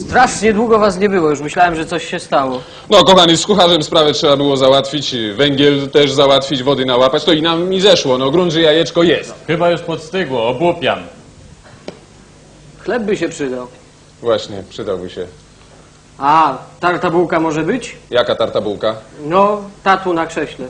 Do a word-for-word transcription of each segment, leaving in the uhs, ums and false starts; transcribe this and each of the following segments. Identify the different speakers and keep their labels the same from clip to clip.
Speaker 1: Strasznie długo was nie było, już myślałem, że coś się stało.
Speaker 2: No, kochani, z kucharzem sprawę trzeba było załatwić, węgiel też załatwić, wody nałapać, to i nam mi zeszło, no grunt, że jajeczko jest.
Speaker 3: Chyba już podstygło, obłupiam.
Speaker 1: Chleb by się przydał.
Speaker 2: Właśnie, przydałby się.
Speaker 1: A, tarta bułka może być?
Speaker 2: Jaka tarta bułka?
Speaker 1: No, tatu na krześle.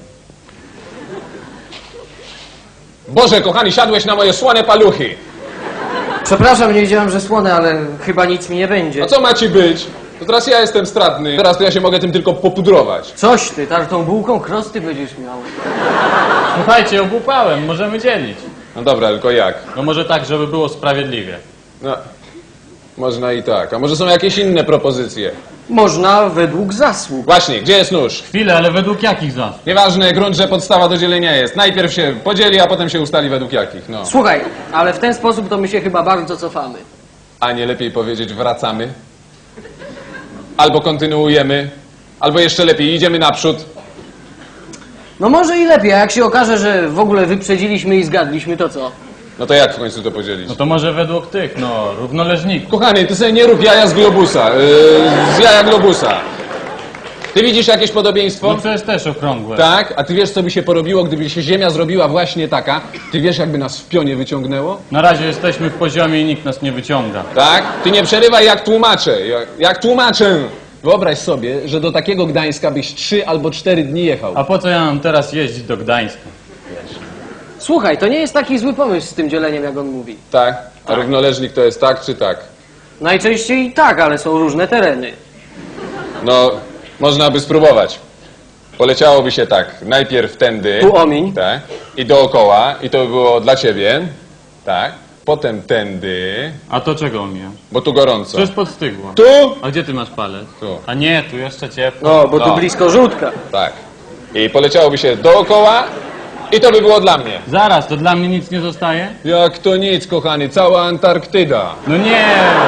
Speaker 2: Boże, kochani, siadłeś na moje słone paluchy.
Speaker 1: Przepraszam, nie wiedziałem, że słone, ale chyba nic mi nie będzie.
Speaker 2: A co ma ci być? To teraz ja jestem stratny, teraz to ja się mogę tym tylko popudrować.
Speaker 1: Coś ty, tartą bułką krosty będziesz miał.
Speaker 3: Słuchajcie, obłupałem, możemy dzielić.
Speaker 2: No dobra, tylko jak?
Speaker 3: No może tak, żeby było sprawiedliwie.
Speaker 2: No, można i tak. A może są jakieś inne propozycje?
Speaker 1: Można według zasług.
Speaker 2: Właśnie, gdzie jest nóż?
Speaker 3: Chwilę, ale według jakich zasług?
Speaker 2: Nieważne, grunt, że podstawa do dzielenia jest. Najpierw się podzieli, a potem się ustali według jakich, no.
Speaker 1: Słuchaj, ale w ten sposób to my się chyba bardzo cofamy.
Speaker 2: A nie lepiej powiedzieć wracamy? Albo kontynuujemy, albo jeszcze lepiej idziemy naprzód.
Speaker 1: No może i lepiej, a jak się okaże, że w ogóle wyprzedziliśmy i zgadliśmy, to co?
Speaker 2: No to jak w końcu to podzielić?
Speaker 3: No to może według tych, no, równoleżników.
Speaker 2: Kochany, ty sobie nie rób jaja z globusa, yy, z jaja globusa. Ty widzisz jakieś podobieństwo?
Speaker 3: No przecież też okrągłe.
Speaker 2: Tak? A ty wiesz, co by się porobiło, gdyby się ziemia zrobiła właśnie taka? Ty wiesz, jakby nas w pionie wyciągnęło?
Speaker 3: Na razie jesteśmy w poziomie i nikt nas nie wyciąga.
Speaker 2: Tak? Ty nie przerywaj, jak tłumaczę. Jak, jak tłumaczę. Wyobraź sobie, że do takiego Gdańska byś trzy albo cztery dni jechał.
Speaker 3: A po co ja mam teraz jeździć do Gdańska?
Speaker 1: Słuchaj, to nie jest taki zły pomysł z tym dzieleniem, jak on mówi.
Speaker 2: Tak? A równoleżnik to jest tak czy tak?
Speaker 1: Najczęściej tak, ale są różne tereny.
Speaker 2: No, można by spróbować. Poleciałoby się tak, najpierw tędy.
Speaker 1: Tu omiń.
Speaker 2: Tak. I dookoła. I to by było dla ciebie. Tak. Potem tędy.
Speaker 3: A to czego omijam?
Speaker 2: Bo tu gorąco.
Speaker 3: Przecież podstygło.
Speaker 2: Tu?
Speaker 3: A gdzie ty masz palec?
Speaker 2: Tu.
Speaker 3: A nie, tu jeszcze ciepło.
Speaker 1: No, bo
Speaker 2: No.
Speaker 1: tu blisko żółtka.
Speaker 2: Tak. I poleciałoby się dookoła. I to by było dla mnie.
Speaker 3: Zaraz, to dla mnie nic nie zostaje?
Speaker 2: Jak to nic, kochany. Cała Antarktyda.
Speaker 3: No nie!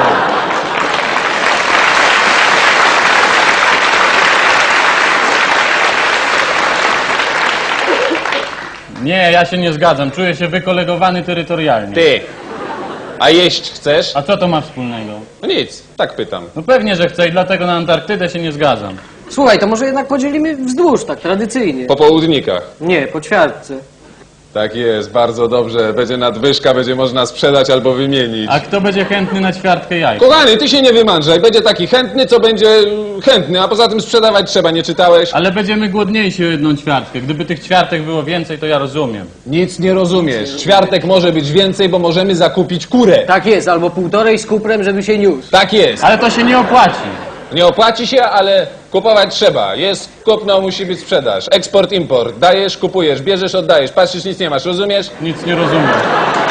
Speaker 3: Nie, ja się nie zgadzam. Czuję się wykolegowany terytorialnie.
Speaker 2: Ty. A jeść chcesz?
Speaker 3: A co to ma wspólnego?
Speaker 2: No nic. Tak pytam.
Speaker 3: No pewnie, że chcę i dlatego na Antarktydę się nie zgadzam.
Speaker 1: Słuchaj, to może jednak podzielimy wzdłuż, tak tradycyjnie.
Speaker 2: Po południkach.
Speaker 1: Nie, po ćwiartce.
Speaker 2: Tak jest, bardzo dobrze. Będzie nadwyżka, będzie można sprzedać albo wymienić.
Speaker 3: A kto będzie chętny na ćwiartkę jaj?
Speaker 2: Kochany, ty się nie wymądrzaj. Będzie taki chętny, co będzie mm, chętny, a poza tym sprzedawać trzeba, nie czytałeś?
Speaker 3: Ale będziemy głodniejsi o jedną ćwiartkę. Gdyby tych ćwiartek było więcej, to ja rozumiem.
Speaker 2: Nic nie rozumiesz. Ćwiartek może być więcej, bo możemy zakupić kurę.
Speaker 1: Tak jest, albo półtorej z kuprem, żeby się niósł.
Speaker 2: Tak jest.
Speaker 3: Ale to się nie opłaci.
Speaker 2: Nie opłaci się, ale kupować trzeba. Jest kupno, musi być sprzedaż. Eksport, import. Dajesz, kupujesz, bierzesz, oddajesz. Patrzysz, nic nie masz, rozumiesz?
Speaker 3: Nic nie rozumiem.